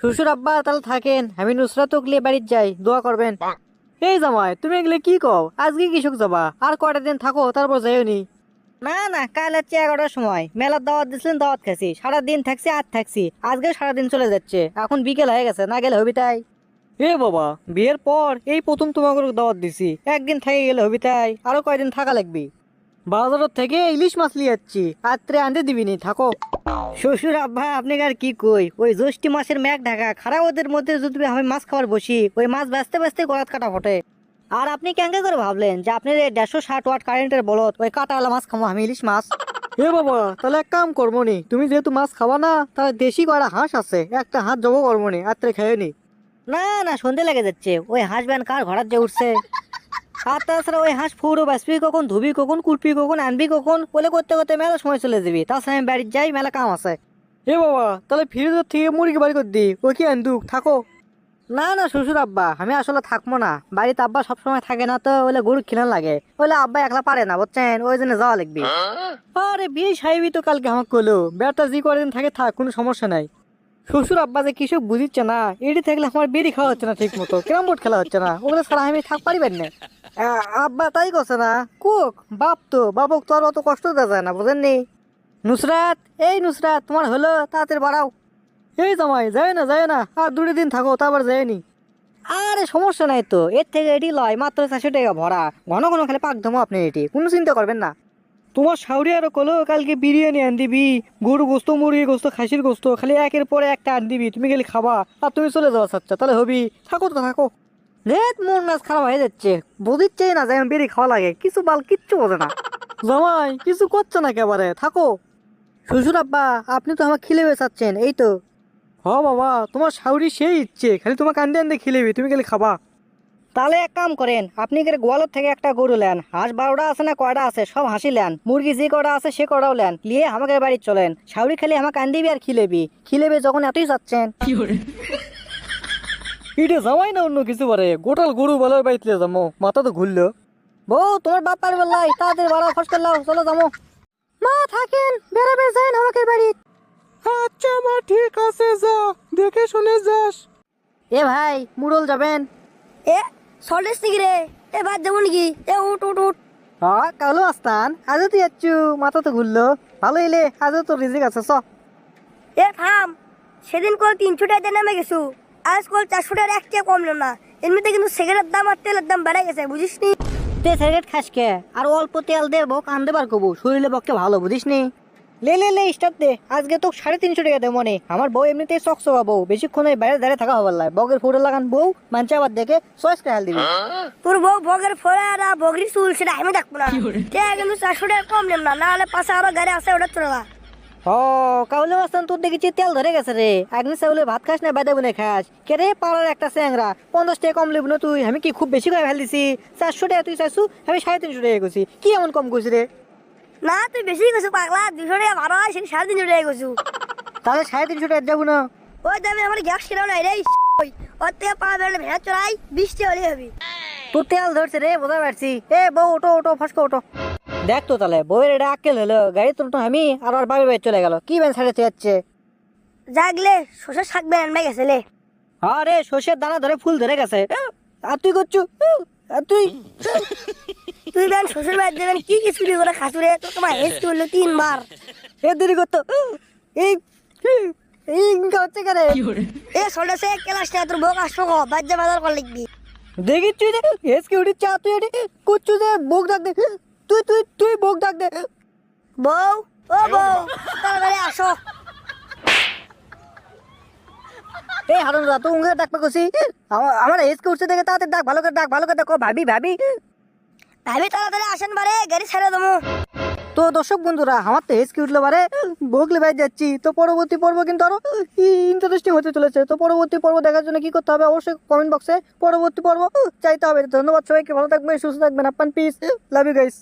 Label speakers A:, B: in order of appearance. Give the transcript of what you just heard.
A: শ্বশুর আব্বা তাহলে থাকেন, আমি নুসরাত লিয়ে বাড়ির যাই, দোয়া করবেন। এই জামাই, তুমি এগুলো কি কও? আজকে কৃষক যাবা, আর কয়টা দিন থাকো, তারপর যাইও নি। না না, কাল হচ্ছে 11টার সময় মেলার দাওয়াত দিছিলেন, দাওয়াত খাইছি, সারাদিন থাকছি আর থাকছি, আজকে সারাদিন চলে যাচ্ছে, এখন বিকেল হয়ে গেছে, না গেলে হবি তাই। এ বাবা, বিয়ের পর এই প্রথম তোমাকে দাওয়াত দিছি, একদিন থেকে গেলে হবি তাই, আরো কয়দিন থাকা লাগবি। বাজারের থেকে ইলিশ মাছ নিয়ে যাচ্ছি, রাত্রে আনতে দিবিনি, থাকো। শ্বশুর আব্বা আপনি আর কি কই, ওই জ্যৈষ্ঠী মাসের মেঘ ঢাকা খারাপ ওদের মধ্যে যদি আমি মাছ খাবার বসি, ওই মাছ বাঁচতে বাঁচতে গলাত কাটা ফোটে। আর আপনি কেঙ্কা করে ভাবলেন যে আপনার এই 160 ওয়াট কারেন্টের বলত ওই কাটাওয়ালা মাছ খাবো আমি, ইলিশ মাছ? এ বাবা, তাহলে এক কাম করবো নি, তুমি যেহেতু মাছ খাবা না, তাহলে দেশি কয়টা হাঁস আছে, একটা হাঁস জবো করবো নি, রাত্রে খেয়ে নি। না না, সন্ধে লেগে যাচ্ছে, ওই হাঁস ব্যান কার ঘোড়ার যে উঠছে। আর তাছাড়া ওই হাঁস ফুরো বাঁচবি কখন, ধুবি কখন, কুলপি কখন, আনবি কখন, বলে করতে করতে মেলা সময় চলে যাবি, তাছাড়া আমি বাড়ির যাই, মেলা কাম আছে। এ বাবা, তাহলে ফ্রিজের থেকে মুরগি বাড়ি করে দি, ওই কি আন্দুক, থাকো। না না শ্বশুর আব্বা, আমি আসলে থাকবো না, বাড়িতে আব্বা সবসময় থাকে না তো, ওইলে গরু খিলান লাগে, ওইলে আব্বা একলা পারে না, বুঝছেন, ওই জন্য যাওয়া লাগবে। আরে বিয়ে সাহেবই তো কালকে আমাকে কলো, বেড়াটা যে কদিন থাকে থাক, কোনো সমস্যা নাই। শ্বশুর আব্বা যে কিছু বুঝিচ্ছে না, এটি থাকলে আমার বেরি খাওয়া হচ্ছে না ঠিক মতো, ক্যারাম বোর্ড খেলা হচ্ছে না, ওগুলো ছাড়া আমি থাক পারিবেন না। আব্বা তাই করছে না, কুক বাপ তো, বাবক তো আর অত কষ্ট দেওয়া যায় না, বুঝেননি। নুসরাত, এই নুসরাত, তোমার হলো, তাড়াতাড়ি বাড়াও। এই জামাই, যায় না যায় না, আর 2 দিন থাকো, তারপর যায়নি। আরে সমস্যা নাই তো, এর থেকে এটি লয় মাত্র 400 টাকা ভরা, ঘন ঘন খালি পাক ধমো আপনি, এটি কোনো চিন্তা করবেন না। তোমার শাউরি আরো কলো কালকে বিরিয়ানি আন দিবি, গরু গোস্ত, মুরগি গোস্ত, খাসির গোস্ত, খালি একের পরে একটা আন দিবি, তুমি খালি খাবা আর তুমি চলে যাওয়া চাচ্ছা, তাহলে হবি, থাকো তো থাকো। রেত মন মাছ খারাপ হয়ে যাচ্ছে, বুঝিচ্ছেই না যে আমি বেরি খাওয়া লাগে, কিছু বাল কিচ্ছু বোঝে না। জামাই কিছু করছে না একেবারে, থাকো। শ্বশুর আব্বা, আপনি তো আমার খিলেবে চাচ্ছেন, এই তো। হ বাবা, তোমার শাউরি সেই ইচ্ছে, খালি তোমাকে আনতে আনতে খিলেবি, তুমি খালি খাবা। তাহলে এক কাম করেন, আপনি গোয়ালের থেকে একটা গরু নেন, হাঁস 12টা আছে না কয়টা আছে সব হাসি নেন, মুরগি যে কটা আছে সে কটাও নেন, নিয়ে আমাকে বাড়ি চলেন, শাউরি খালি আমাকে আন দিবি আর খিলেবি, খিলেবি যখন এতই চাচ্ছেন। এটা জামাই না অন্য কিছু পারে, গোটাল গরু বলার বাড়িতে যাবো, মাথা তো ঘুরলো। বউ তোমার বাপ পারবে লাই, তাড়াতাড়ি বাড়াও, ফস করলাও, চলো যাবো। মা থাকেন, বেড়াবে যান আমাকে বাড়ি। আচ্ছা মা, ঠিক আছে, যা, দেখে শুনে যাস। এ ভাই, মুরল যাবেন?
B: এ সল্টেস নাকি রে? এ বাদ যাবো নাকি? এ উঠ উঠ উঠ।
A: হ্যাঁ কালো আসতান, আজও তুই যাচ্ছু, মাথা তো ঘুরলো, ভালো এলে, আজও তোর রিজিক আছে, চ।
B: এ থাম, সেদিন কল 300 টাকা নামে গেছু, আজ কল 400 টাকার এক টাকা কমলো না। এমনিতে কিন্তু সিগারেটের দাম আর তেলের দাম বেড়ে গেছে, বুঝিস নি?
A: তে সিগারেট খাস কে, আর অল্প তেল দেবো, কান দেবার কবু, শরীরে পক্ষে ভালো, বুঝিস নি। লে লে লে স্টার্ট দে, আজকে তো 350 টাকা দেবো মনে, আমার বউ এমনিতেই চকচকা বউ, বেশিক্ষণ ওই বাইরে দাঁড়িয়ে থাকা হবার লাই, বগের ফোটো লাগান বউ, মানছে আবার দেখে চয়েস খেয়াল দিবি।
B: তোর বউ ভোগের ফোড়া আর বগরি চুল সেটা আমি দেখবো না, টাকা কিন্তু 400 টাকা কম নেম না, না হলে পাশে আরো গাড়ি আছে ওটা চলে।
A: ও কাউলে মাস্তান, তোর দেখেছি তেল ধরে গেছে রে, একদিন চাউলে ভাত খাস না বাইদা বনে খাস, কে রে পাড়ার একটা স্যাংরা, 50 টাকা কম লিব না তুই, আমি কি খুব বেশি করে ফেল দিছি? 400 টাকা তুই চাইছু, আমি 350 টাকা করছি, কি এমন কম করছি রে?
B: না তুই বেশি গেছু পাগলা, 200 টাকা ভাড়া হয় সেটা 350 টাকা গেছু।
A: তাহলে 350 টাকা যাবো না?
B: ওই দামে আমার গ্যাস কিনাও নাই রে, ওর থেকে পা বেড়ে ভেড়া চড়াই 20 টাকা হলে হবি।
A: তোর তেল ধরছে রে, বোঝা পারছি। এ বউ ওটো ওটো, ফসকে ওটো। দেখ তো তাহলে বউয়ের এটা আক্কেল হলো, গাড়ি তো আমি আর ওর বাড়ি বাড়ি চলে গেল, কি বেন ছাড়ে যাচ্ছে।
B: জাগলে শোষা শাক বেড়ে গেছে লে।
A: আরে সর্ষের দানা ধরে ফুল ধরে গেছে, আর তুই করছু, আর তুই।
B: তুই বেন শ্বশুর বাড়ি দেবেন কি কি চুরি করে খাসুরে, তো তোমার হেস করলো 3 বার।
A: এ দেরি করতো, এই এই হচ্ছে কেন?
B: এ সল্টেসে ক্লাস নিয়ে তোর বউ আসবো গো, বাজ্যা বাজার কর লিখবি।
A: দেখি তুই রে, হেসকে উঠি চা, তুই এটি করছু যে বউক ডাক দে, তুই তুই তুই বউক ডাক দে।
B: বউ, ও বউ, তাড়াতাড়ি আসো।
A: এই হারুন দা, তো উঙ্গে ডাকবে কছি, আমার হেসকে উঠছে দেখে তাড়াতাড়ি ডাক, ভালো করে ডাক, ভালো করে দেখো, ভাবি ভাবি।
B: ভাবি তাড়াতাড়ি আসেন বারে, গাড়ি ছেড়ে দেবো।
A: তো দর্শক বন্ধুরা, আমার তো হেসকে উঠলো বারে, বগলে বাইরে যাচ্ছি, তো পরবর্তী পর্ব কিন্তু আরো ইন্টারেস্টিং হতে চলেছে, তো পরবর্তী পর্ব দেখার জন্য কি করতে হবে অবশ্যই কমেন্ট বক্সে পরবর্তী পর্ব চাইতে হবে। ধন্যবাদ সবাইকে, ভালো থাকবেন, সুস্থ থাকবেন, আপনার পিস, লাভ ইউ গাইস।